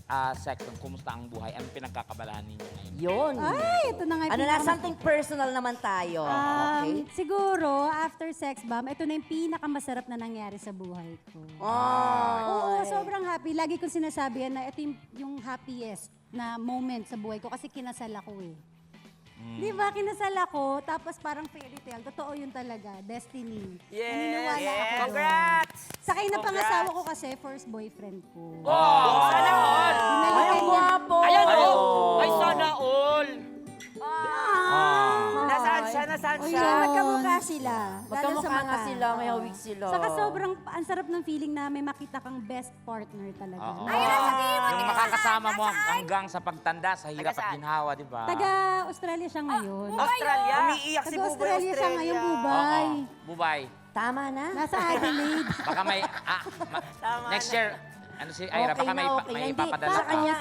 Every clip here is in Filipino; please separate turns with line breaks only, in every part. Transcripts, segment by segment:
sex, kumusta ang buhay? Anong pinagkakabalahan ninyo ngayon?
Yun.
Ay, ito na nga yung
Ano na, something personal naman tayo. Okay?
Siguro, after sex bomb, ito na yung pinakamasarap na nangyari sa buhay ko.
Oh.
Oo, sobrang happy. Lagi kong sinasabi yan na ito yung happiest na moment sa buhay ko kasi kinasal ako eh. Di ba, kinasal ako, tapos parang fairy tale. Totoo yun talaga, destiny. Naniniwala ako doon.
Congrats!
Sakay na pangasawa ko kasi, first boyfriend ko.
Sana all!
Ay, ang guwapo.
Ayan o! Ay, sana all!
Ah.
Nasaan siya? Nasaan
O
siya?
yun, magkamukha sila.
Magkamukha nga sila, may hawig sila.
Saka sobrang, ang sarap ng feeling na may makita kang best partner talaga.
Oo.
Ay,
Yung makakasama mo hanggang sa pagtanda, sa hirap at ginhawa, di ba?
Taga-Australia siya ngayon.
Australia? Umiiyak si Buboy,
Taga-Australia siya ngayon, Bubay.
Bubay.
Tama na.
Nasa Adelaide.
Baka may, next year, ano si Ira, baka may, may
Hindi,
ipapadala
sa
ka.
kanya,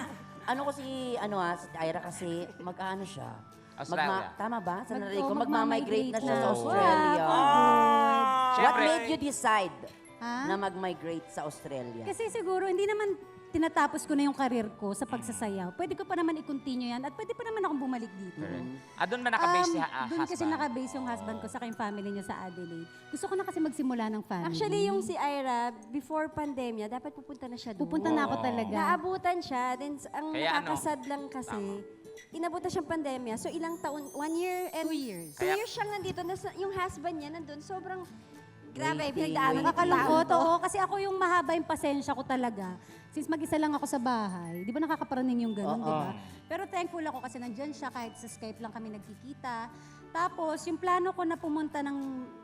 si Ira kasi, mag-ano siya.
Australia.
Tama ba? Sa narinig ko,
magmamigrate
magmamigrate na siya
na.
sa Australia.
Wow,
What
Siyempre,
made you decide
Ha?
na mag-migrate sa Australia?
Kasi siguro, hindi naman tinatapos ko na yung karir ko sa pagsasayaw. Pwede ko pa naman i-continue yan at pwede pa naman akong bumalik dito.
doon ba nakabase si
Doon kasi
husband?
nakabase yung husband ko sa yung family niya sa Adelaide. Gusto ko na kasi magsimula ng family.
Actually, yung si Ira, before pandemya, dapat pupunta na siya doon.
Pupunta na ako talaga.
Naabutan siya. Then, ang
Kaya ano?
nakakasad lang kasi, inabutan siyang pandemya. So, ilang taon? 1 year and
2 years.
2 years siyang nandito. Yung husband niya nandun. Sobrang grabe.
Waiting,
Pinagdaanan
Nakakalungkot, oo. Kasi ako yung mahaba yung pasensya ko talaga. Since mag-isa lang ako sa bahay, di ba nakakaparaning yung ganun, di ba? Pero thankful ako kasi nandyan siya, kahit sa Skype lang kami nagkikita. Tapos, yung plano ko na pumunta ng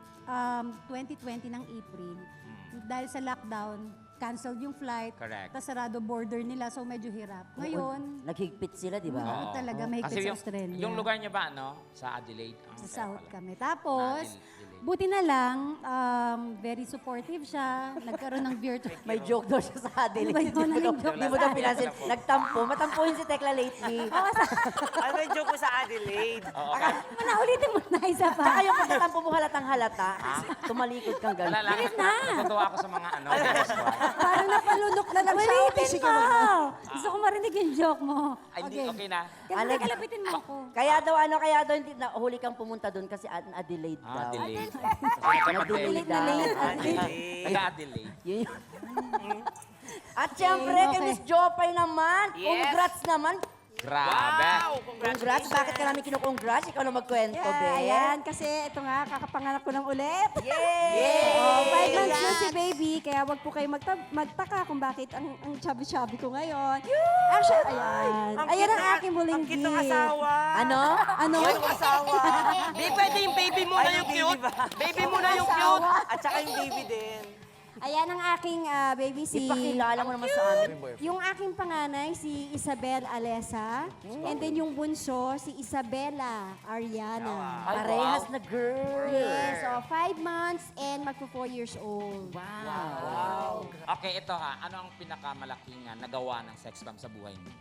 2020 ng April, dahil sa lockdown, canceled yung flight.
Correct.
Tapos sarado border nila, so medyo hirap. Ngayon,
Naghigpit sila, di ba?
Oo, talaga, may
Kasi
higpit sa Australia.
yung lugar niya ba, ano? Sa Adelaide?
Sa South kami. Tapos,
Adelaide.
buti na lang, very supportive siya. Nagkaroon ng virtual.
May joke daw siya sa Adelaide.
Ano ba yun? Anong joke
Di mo daw
sa
pinansin. Nagtampo. Matampuhin si Tekla lately.
Ano yung joke mo sa Adelaide?
Ulitin mo na isa pa.
Tsaka yung pagkatampo mo halatang halata, tumalikod kang
Wala
gano'n.
lang. Natutuwa ako sa mga ano. guest ko.
Parang napalunok na lang siya. Ulitin mo! Gusto ko marinig yung joke mo.
Ay, hindi, okay na.
Kasi kalapitin mo ako.
Kaya daw hindi na huli kang pumunta doon kasi Adelaide daw.
Adelaide.
Adelaide daw.
Adelaide.
Taga-Adelaide.
Yun yun. At syempre, kay Miss Jopay naman,
Yes.
congrats naman.
Grabe.
Wow!
Congrats. Bakit ka namin kinukongrats? Ikaw na magkwento, be.
Ayan, kasi ito nga, kakapanganak ko ng ulit.
Yay!
Oh, 5 months na si baby, kaya wag po kayo magtaka kung bakit ang chubby-chubby ko ngayon. Actually, ayan. Ayan ang aking muling
Ang cute ng
gift.
asawa.
Ano?
Ano?
Yung asawa.
Di pwede yung baby mo na yung cute. Baby mo na yung cute.
At saka yung baby din.
Ayan ang aking baby si...
Ipakilala mo naman sa amin.
Yung aking panganay, si Isabel Alesa. And then yung bunso, si Isabella Ariana.
Parehas na girl.
Yes, so 5 months and magpo 4 years old.
Wow.
Okay, ito ha. Ano ang pinakamalaking nagawa ng sex bomb sa buhay mo?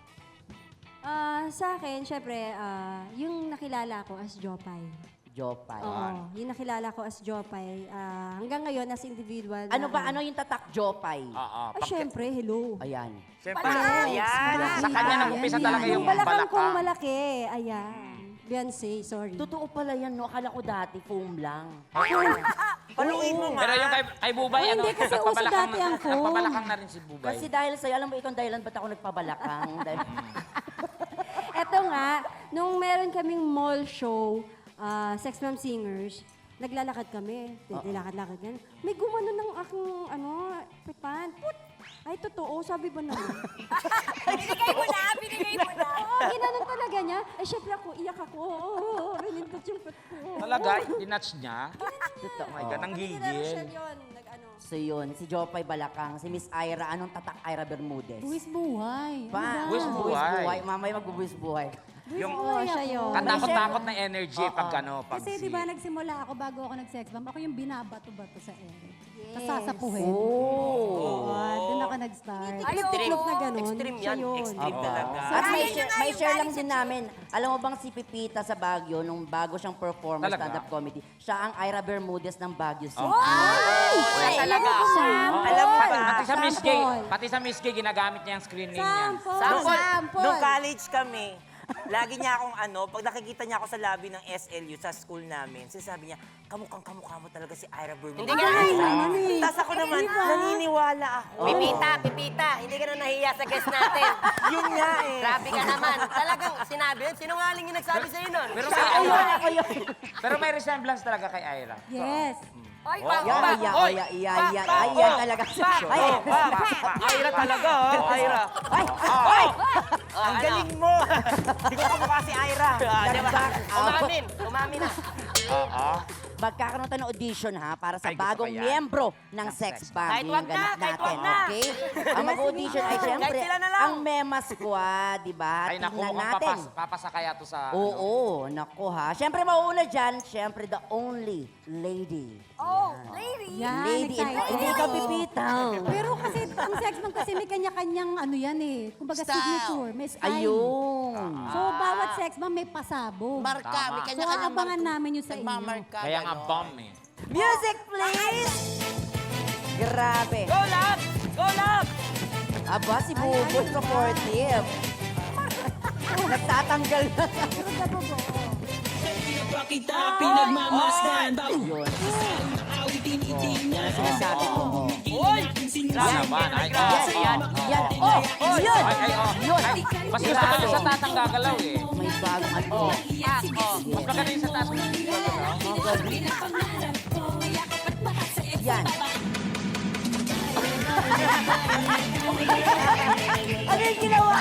Sa akin, syempre, yung nakilala ko as Jopay.
Jopay.
Oo, yung nakilala ko as Jopay. Hanggang ngayon, as individual.
Ano ba? Ano yung tatak Jopay?
Oo.
Ay, syempre, hello.
Ayan.
Siyempre,
Ayan.
sa kanya nag-umpisa talaga yung
Yung balakang kong
balaka.
malaki, ayan. Beyonce, sorry.
Totoo pala yan, no? Akala ko dati, foam lang.
Paluin mo nga.
Pero yung kay Bubay,
Oh, hindi, kasi uso dati ang phone.
nagpabalakang na rin si Bubay.
Kasi dahil sa'yo, alam mo, ikaw ang dahilan ba't ako nagpabalakang?
Eto nga, nung meron kaming mall show, Sex Mom Singers, naglalakad kami. Nilakad-lakad yan. May gumano ng aking, pipan. Put! Ay, totoo. Sabi ba naman?
Binigay mo na.
Oo, ginanon talaga niya. Ay, syempre ako, iyak ako. Oo, pinindot yung put ko.
Talaga, dinatch niya?
Totoo.
Oh my God, ang
Pati kina Rochelle
gigil.
yun, nag-ano.
So yun, si Jopay Balakang, si Miss Ira, anong tatak Ira Bermudez?
Buwis buhay.
Pa,
Buwis buhay.
Mamaya magbubuwis buhay.
Yung
Oo, siya yun.
katakot-takot na energy pag ano, pag
Kasi di ba nagsimula ako bago ako nag-sex bomb, ako yung binabato-bato sa ere.
Yes.
Tapos sasapuhin.
Oh.
Doon ako nag-start.
Tiklop na gano'n.
Extreme
Siya
yan.
yun.
Extreme talaga.
At may share lang din namin. Alam mo bang si Pipita sa Baguio, nung bago siyang performance
Talaga?
stand-up comedy, siya ang Ira Bermudez ng Baguio City.
Ay!
Wala talaga.
Alam mo ba?
Pati sa Miss Gay,
Sample.
pati sa Miss Gay, ginagamit niya yung screen name niya.
Sample.
Nung college kami, lagi niya akong pag nakikita niya ako sa lobby ng SLU sa school namin, sinasabi niya, kamukha mo talaga si Ira Bermudez.
Hindi ka nahiya.
Tapos ako naman, naniniwala ako.
Pipita, hindi ka na nahiya sa guest natin.
Yun nga eh.
Grabe ka naman. Talagang sinabi yun. Sinungaling yung nagsabi sa'yo nun.
Pero may resemblance talaga kay Ira.
Yes.
Oy,
Yan talaga si Joy.
Ira talaga, oh. Ira. Ang galing mo. Hindi ko kamukha si Ira.
Umamin na.
Oo.
Magkakaroon tayo ng audition ha para sa
Ay, gusto
bagong
ko yan.
miyembro ng sex bomb.
Kahit
Yung
wag na,
ganap
kahit
natin,
wag na.
okay? Ang mag-audition ay siyempre
Kahit sila na lang.
ang Mema Squad, di ba?
Ay, naku,
Tingnan
mukhang
natin.
papasakaya to sa...
Oo, naku ha. Siyempre mauuna dyan, siyempre the only lady.
Yan,
Lady,
excited.
hindi ka pipita.
Pero kasi, ang sex bomb kasi may kanya-kanyang ano yan eh. Kumbaga signature, may style.
Ayun.
So, bawat sex bomb may pasabog.
Marka, may
Tama.
So,
kanya-kanyang
aabangan namin yun sa inyo.
Nagmamarka.
Kaya nga
ganon.
bomb eh.
Music, please! Grabe.
Go, love! Go, love!
Aba, si Buboy supportive. Nagtatanggal na.
Pero dabugo,
Yun. Yan ang sinasabi ko.
Uy!
Yan naman. Ay,
Yan.
oh.
Oh, yun.
Ay, oh.
Yun.
Ay, mas gusto ko yung sa tatang gagalaw eh.
May bagong ano.
Mas maganda yung sa tatang gagalaw.
Yan. Ano yung ginawa?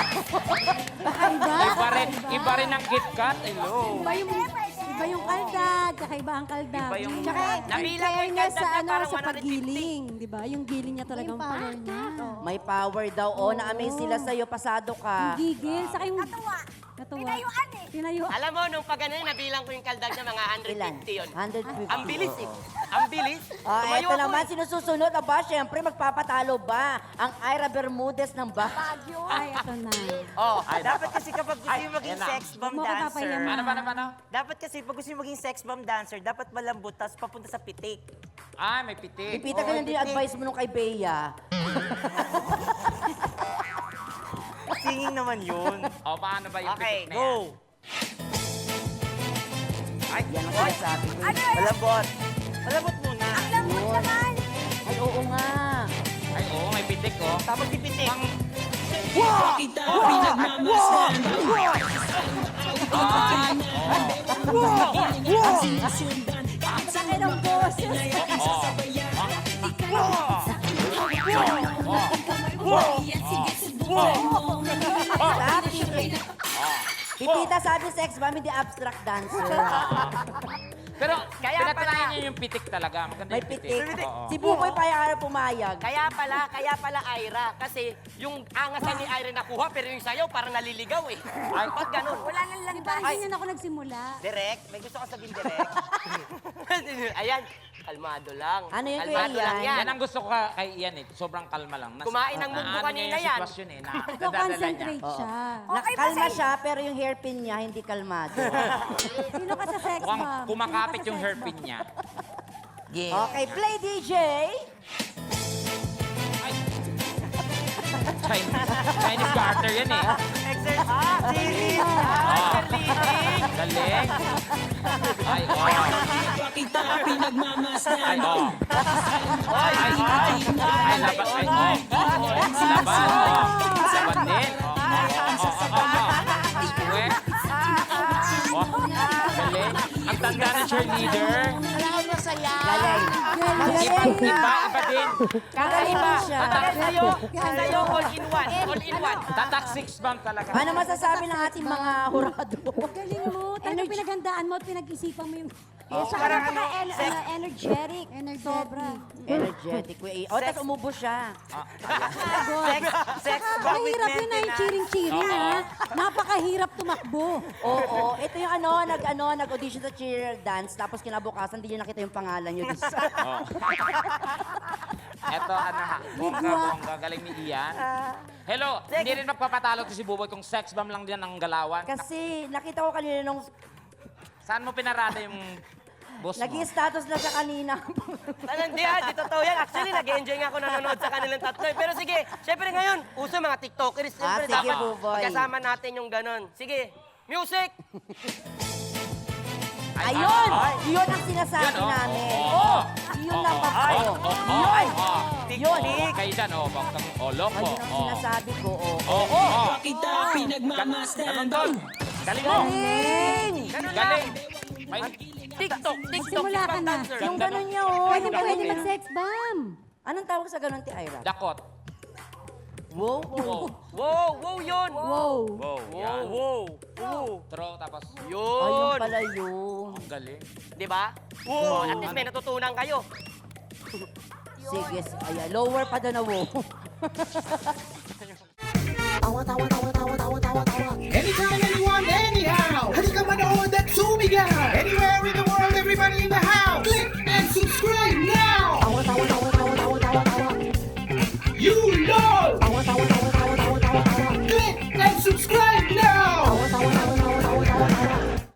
Iba rin ang KitKat. Hello.
Iba yung kaldag, kakaiba ang kaldag.
Iba yung-
Tsaka,
Nabilang ko yung
fairness
kaldag
sa,
na
ano,
parang
sa
150.
paggiling, di ba? Yung giling niya talagang power niya.
May power daw. Oh, na-amaze sila sa'yo. Pasado ka.
Gigil, saka yung... Natuwa. Pinayuan eh. Pinayuan.
Alam mo, nung pag ano, nabilang ko yung kaldag niya, mga
Ilan?
150 yun.
150.
Ang bilis eh. Ang bilis. Tumayo
Ito
ako
naman,
eh.
sinususunod. Aba, syempre, magpapatalo ba ang Ira Bermudez ng Baguio?
Ay, ito na.
Oh, dapat kasi kapag gusto yung maging
ayan na.
sex bomb
Huwag mo
dancer,
papayaman.
Ano?
dapat kasi pag gusto yung maging sex bomb dancer, dapat malambot, tapos papunta sa pitik.
Ah, may pitik.
Ipita ka lang din yung advice mo nung kay Bea.
Singing naman yun.
O, paano ba yung
Okay,
pitik na yan?
go.
Yan ang sinasabi ko.
Malambot. Malambot muna.
Yun. Ay, oo nga.
Ay, oo, may pitik oh.
Tapos ipitik.
Sakit ang boses.
Pipita sabi sex bomb, hindi abstract dancer.
Pero,
Kaya
pinatunayan
pala.
niya yung pitik talaga. Maganda
May
yung
pitik.
pitik. Oo.
Si Buboy pa pumayag.
Kaya pala Ira. Kasi yung angasan ni Ira nakuha, pero yung sayaw parang naliligaw eh. Ay, pag ganun. Wala nang
Di ba, hindi na ako nagsimula.
Direct? May gusto ka sabihin direct?
Ayan, kalmado lang.
Ano yun,
Kalmado
Kuya
lang
Ian?
yan.
Yan ang gusto ko kay Ian eh. Sobrang kalma lang.
Kumain ng munggo
naano
kanina
niya yung
yan.
sitwasyon eh. Nadadala niya.
Nagko-concentrate siya.
Nakalma siya, pero yung hairpin niya hindi kalmado.
Sino ka sa sex
Mukhang
bomb?
kumakapit
Sino ka
yung
sa sex
hairpin
bomb?
niya.
Okay, play DJ.
Chinese garter yan eh.
Series!
Galing. Ay, oh. Ay, oh. Ay, laban. Ay, oh. Laban, oh. Laban din. Square. Oh, galing. Ang tanda ng cheerleader.
Galing.
Iba din.
Kakaiba siya.
Sa'yo, all in one. All in one.
Tatak six bomb talaga.
Ano masasabi ng ating mga hurado?
Galing mo. Talagang pinaghandaan mo at pinag-isipan mo yung...
Parang ano,
energetic.
Sobra.
Energetic. O, tapos umubo siya.
sex bomb with
Mahirap yun na yung
maintenance.
cheering-cheering, ha? Napakahirap tumakbo.
Oo. Ito yung nag-audition sa cheer dance, tapos kinabukasan, hindi niyo nakita yung pangalan niyo.
Eto, bongga, galing ni Ian. Hello, hindi rin magpapatalo to si Buboy kung sex bomb lang din ang galawan.
Kasi nakita ko kanina nung
Saan mo pinarada yung boss mo.
Nag-i-status na siya kanina.
Hindi di totoo yan. Actually, nag-enjoy nga ako nanonood sa kanilang tatlo. Pero sige, syempre ngayon, uso mga TikTokers. Syempre,
sige,
dapat
Buboy.
kasama natin yung ganon. Sige, music!
Ayun! Yun ang sinasabi
Yun, oh.
namin.
Oo.
Oh, yun lang ba?
Ay,
Oh.
Yun!
Yun.
Kayo dyan, bang loko.
Ayun ang sinasabi ko. Oh.
Oo.
Kita pinagmamasdan.
Ganun doon. Galing mo.
Galing!
Ganun lang.
Galing. May,
TikTok,
Magsimula ka na.
dancer.
Yung ganun niya, oh.
Pwede
Yung
pwede
ganun niya.
mag-sex bomb.
Anong tawag sa ganun, Ti Ira?
dakot.
Wow.
Wow.
Wow, wow yun.
Wow.
Wow.
Wow,
Yan.
wow. Wow.
Throw, tapos,
Ayun
Yun.
pala yun.
galing.
Di ba? Wow. At least may natutunan kayo.
Sige, ayan. Lower pa doon na wow.
Anytime, anyone, anyhow. Halika manood at sumigaw. Anywhere in the world, everybody in the house. Click and subscribe now. You know.